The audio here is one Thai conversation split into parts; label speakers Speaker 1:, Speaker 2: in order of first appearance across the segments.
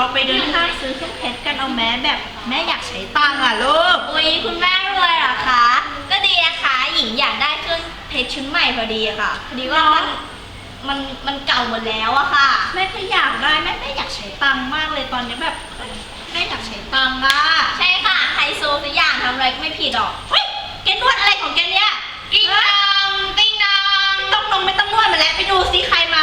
Speaker 1: ไปเดินห้างซื้อเครื่องเพชรกันเอาแม้แบบแม่อยากใช้ตังค์อ่ะลูก
Speaker 2: อุ๊ยคุณแม่รวยเหรอคะก็ดีนะคะหญิงอยากได้เครื่องเพชรชุดใหม่พอดีอะค่ะพอดีว่ามันเก่าหมดแล้วอะค่ะ
Speaker 1: แม่ก็อยากได้แม่อยากใช้ตังค์มากเลยตอนนี้แบบแม่อยากใช้ตังค์อ่ะ
Speaker 2: ใช่ค่ะไฮโซทุกอย่างทำอะไรก็ไม่ผิดหรอก
Speaker 1: เฮ้ยแกนวดอะไรของแกเนี่ย
Speaker 2: ติ๊งนองติ๊งนอง
Speaker 1: ไม่ต้องนวดมาแล้วไปดูซิใครมา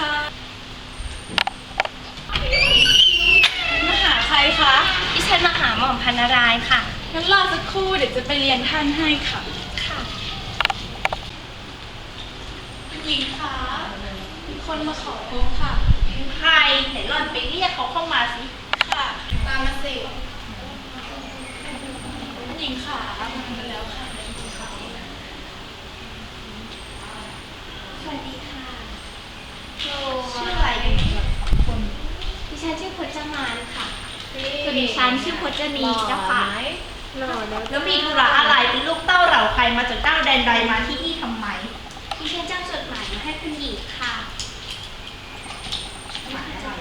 Speaker 3: มาหาใครคะ
Speaker 2: ดิฉันมาหาหม่อมพันนารายณ์ค่ะ
Speaker 3: งั้นรอสักครู่เดี๋ยวจะไปเรียนท่านให้ค่ะ
Speaker 2: ค่ะ
Speaker 3: หญิงคะมีคนมาขอพบค่ะ
Speaker 1: ใครไหนหล่อนไปเรียกเขาเข้ามาสิ
Speaker 3: ค่ะตามมาสิหญิงขามาแล้วค่ะ
Speaker 2: สวัสดีค่ะ
Speaker 1: ชื่ออะไรกันคน
Speaker 2: ดิฉันชื่อพจมานค่ะส่วนดิฉันชื่อพจนีเจ้าค่ะ
Speaker 1: แล้วมีธุระอะไรเป็นลูกเต้าเหล่าใครมาจากเจ้าแดนใดมาที่นี่ทำไม
Speaker 2: ดิฉันจะจดหมายมาให้คุณหญิงค่ะ
Speaker 1: หมายอะไร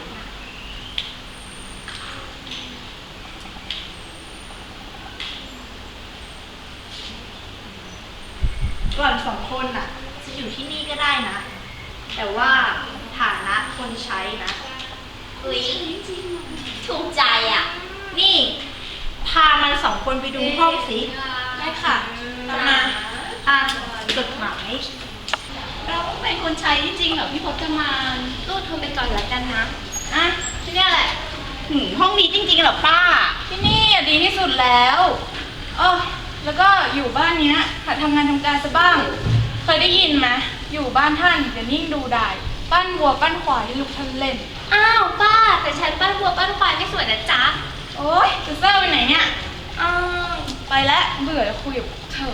Speaker 1: ก่อนสองคนน่ะจะอยู่ที่นี่ก็ได้นะแต่ว่าฐานะคนใช้นะ
Speaker 2: อุ๊ยถูกใจอ่ะ
Speaker 1: นี่พามันสองคนไปดูห้องสิ
Speaker 3: ได้ค่ะตามมา
Speaker 1: จดหมาย
Speaker 3: เราเป็นคนใช้จริงเหรอพี่พจมาน
Speaker 2: ตู้โทรไปก่อนแล้วกันนะ
Speaker 1: ที่นี่แหละห้องนี้จริงๆเหรอป้า
Speaker 3: ที่นี่ดีที่สุดแล้วแล้วก็อยู่บ้านเนี้ยหัดทำงานทำการซะบ้างเคยได้ยินไหมอยู่บ้านท่านจะนิ่งดูได้ปั้นวัวปั้นควายให้ลูกท่านเล่น
Speaker 2: อ้าวป้าแต่ฉันปั้นวัวปั้นควายไม่สวยนะจ๊ะ
Speaker 3: โอ๊ยจะเซอร์ไปไหนเนี่ยไปแล้วเบื่อคุยกับเธอ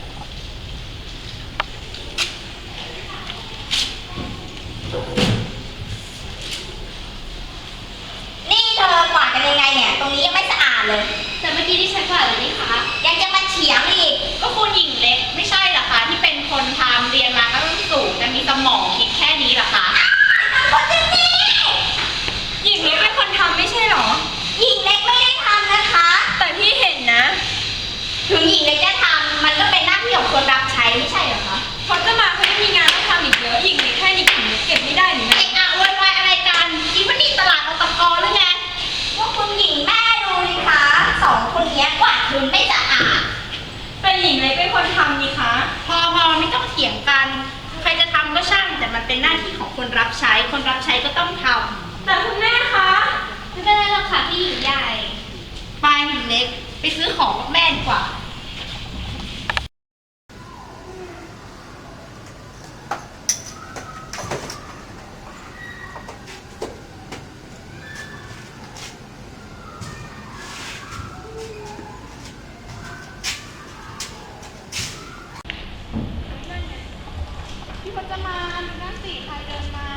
Speaker 2: นี่เธอกวาดกันยังไงเนี่ยตรงนี้ยังไม่สะอาดเลยแต่เมื่อกี้ที่ฉันกวาดเลยนี่คะยังจะมาเถียงอีก
Speaker 1: ก็คุณหญิงเล็กไม่ใช่เหรอคะที่เป็นคนทำเรียนมาก็ต้องสูงแต่มีสมองคิดแค่นี้เหรอคะ
Speaker 2: คนที่นี่
Speaker 3: หญิงเล็กเป็นคนทำไม่ใช่หรอ
Speaker 2: หญิงเล็กไม่ได้ทำนะคะ
Speaker 3: แต่พี่เห็นนะ
Speaker 2: ถึงหญิงเล็กจะทำมันก็เป็นหน้าที่ของคนรับใช้ไม่ใช่เหรอคะ
Speaker 3: พอจะมาเขาไม่มีงานต้องทำอีกเยอะหญิงเล็กแค่นี้หญิงเล็กเก็บไม่ได้หรือไง
Speaker 1: วุ่นวายอะไรกันคิดว่านี่ตลาดอตกหรือไง
Speaker 2: ว่าคุณหญิงแม่ดูเลยคะสองคนนี้กวาดพื้นไม่สะอาด
Speaker 3: เป็นหญิงเล็กเป็นคนทำนี่คะ
Speaker 1: พอไม่ต้องเถียงกันใครจะทำก็ช่างแต่มันเป็นหน้าที่ของคนรับใช้คนรับใช้ก็ต้องทำ
Speaker 3: แต่คุณแม่คะ
Speaker 2: ไม่เป็นไรหรอกค่ะพี่หญิงใหญ่
Speaker 1: ไปหญิงเล็กไปซื้อของกับแม่ดีกว่า
Speaker 3: พี่พจมานดูนั่นสิใครเดินมา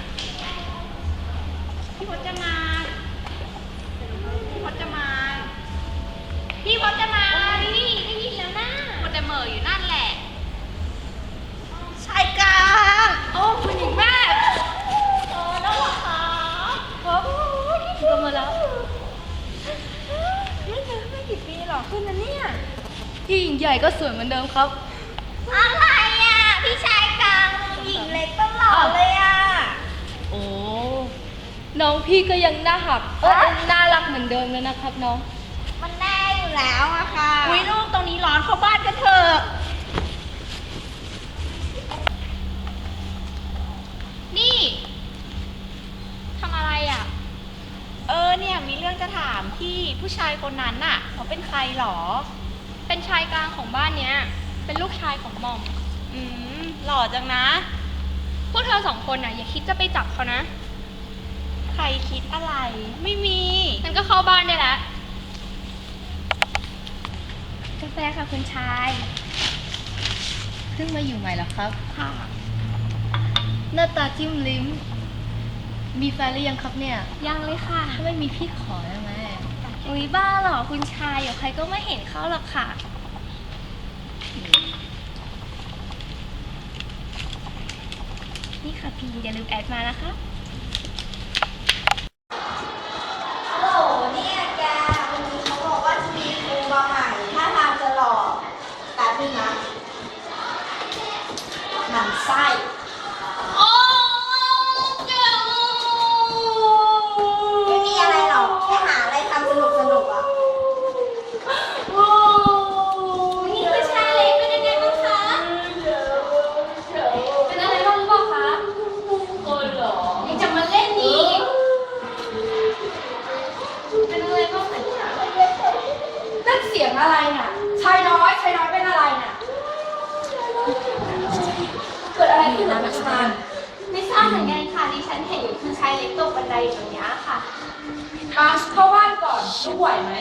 Speaker 3: พี่พจมานพี่พจมาน
Speaker 2: พี่พจมานนี่ได้ยินแล้วนะ
Speaker 3: มันแต่เหม่ออยู่นั่นแหละ
Speaker 1: ใช่กัน
Speaker 3: โอ้คุณหญิงแม่
Speaker 2: แล้วเหรอคะ
Speaker 3: โอ้ยโตมาแล้วไม่เจอไม่กี่ปีหรอกขึ้นนะเนี่ยพี่หญิงใหญ่ก็สวยเหมือนเดิมครับ
Speaker 2: อะไรอ่ะพี่ชายกลางหญิงเล็กตลอดเลยอ่ะ
Speaker 3: โอ้น้องพี่ก็ยังน่าหักน่ารักเหมือนเดิมเลยนะครับน้อง
Speaker 2: มันแน่อยู่แล้วอะค่ะ
Speaker 1: อุ๊ยลูกตรงนี้ร้อนเข้าบ้านกันเถอะ
Speaker 2: นี่ทำอะไรอ่ะ
Speaker 1: เนี่ยมีเรื่องจะถามพี่ผู้ชายคนนั้นน่ะเขาเป็นใครหรอ
Speaker 2: เป็นชายกลางของบ้านเนี้ยเป็นลูกชายของหม่อม
Speaker 1: หล่อจังนะ
Speaker 2: พวกเธอสองคนน่ะอย่าคิดจะไปจับเขานะ
Speaker 1: ใครคิดอะไรไม่มี
Speaker 2: งั้นก็เข้าบ้านได้แล้วกาแฟค่ะคุณชาย
Speaker 3: เพิ่งมาอยู่ใหม่เหรอครับ
Speaker 2: ค่ะ
Speaker 3: หน้าตาจิ้มลิ้มมีแฟนหรือยังครับเนี่ย
Speaker 2: ยังเลยค่ะ
Speaker 3: ถ้าไม่มีพี่ขอได้ไหม
Speaker 2: อุ๊ยบ้าเหรอคุณชายเดี๋ยวใครก็ไม่เห็นเขาหรอกค่ะนี่ค่ะพี่อย่าลืมแอดมานะคะ
Speaker 3: สียงอะไรน่ะชายน้อยเป็นอะไรน่ะเกิดอะไรขึ้นนะชาน
Speaker 2: ไม่ทราบเหมือนกันค่ะดิฉันเห็นคุณชายเล็กตกบันไดอยู่ตรงนี้ค่ะ
Speaker 3: มาเข้าบ้านก่อนลูกไหวไหม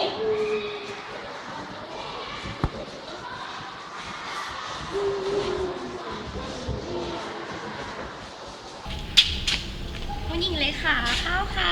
Speaker 2: คุณหญิงเล็กค่ะข้าวค่ะ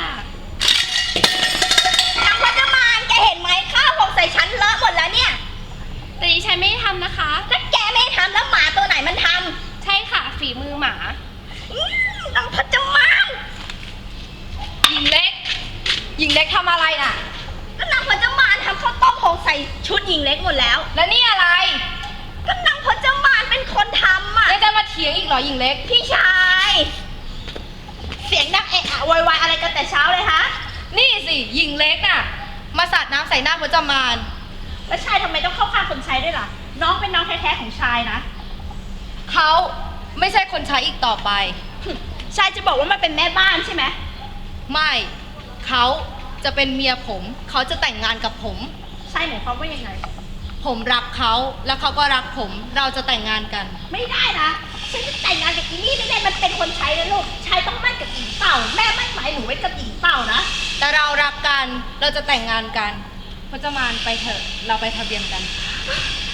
Speaker 2: นางพจมานแกเห็นไหมข้าวของใส่ฉันเลอะหมดแล้วเนี่ย
Speaker 4: แต่ดิฉันไม่ได้ทำนะคะ
Speaker 2: ถ้าแกไม่ทำแล้วหมาตัวไหนมันท
Speaker 4: ใช่ค่ะ ฝีมือหมา
Speaker 2: ำนางพจมาน
Speaker 4: หญิงเล็ก หญิงเล็กทำอะไรน่ะ
Speaker 2: ก็นางพจมานทำข้าวต้มของใส่ชุดหญิงเล็กหมดแล้ว
Speaker 4: แล้วนี่อะไร
Speaker 2: ก็นางพจมานเป็นคนทำอ่ะ
Speaker 4: ยังจะมาเถียงอีกเหรอหญิงเล็ก
Speaker 2: พี่ชาย เสียงดังเอะอะโวยวายอะไรกันแต่เช้าเลยฮะ
Speaker 4: นี่สิหญิงเล็กน่ะ มาสาดน้ำใส่หน้าพจมาน
Speaker 1: แล้วชายทำไมต้องเข้าข้างคนใช้ด้วยล่ะ น้องเป็นน้องแท้ๆของชายนะ
Speaker 4: เขาไม่ใช่คนใช้อีกต่อไป
Speaker 1: ชายจะบอกว่ามันเป็นแม่บ้านใช่ไหม
Speaker 4: ไม่ เขาจะเป็นเมียผม เขาจะแต่งงานกับผม
Speaker 1: ชายหมายความว่ายังไง
Speaker 4: ผมรักเขาแล้วเขาก็รักผม เราจะแต่งงานกัน
Speaker 1: ไม่ได้นะฉันจะแต่งงานกับอีนี่ไม่ได้มันเป็นคนใช้นะลูกชายต้องมั่นกับหญิงเต่า แม่มั่นหมายหนูไว้กับหญิงเต่านะ
Speaker 4: แต่เรารักกัน เราจะแต่งงานกันพจมานไปเถอะ เราไปทะเบียนกัน
Speaker 1: ไ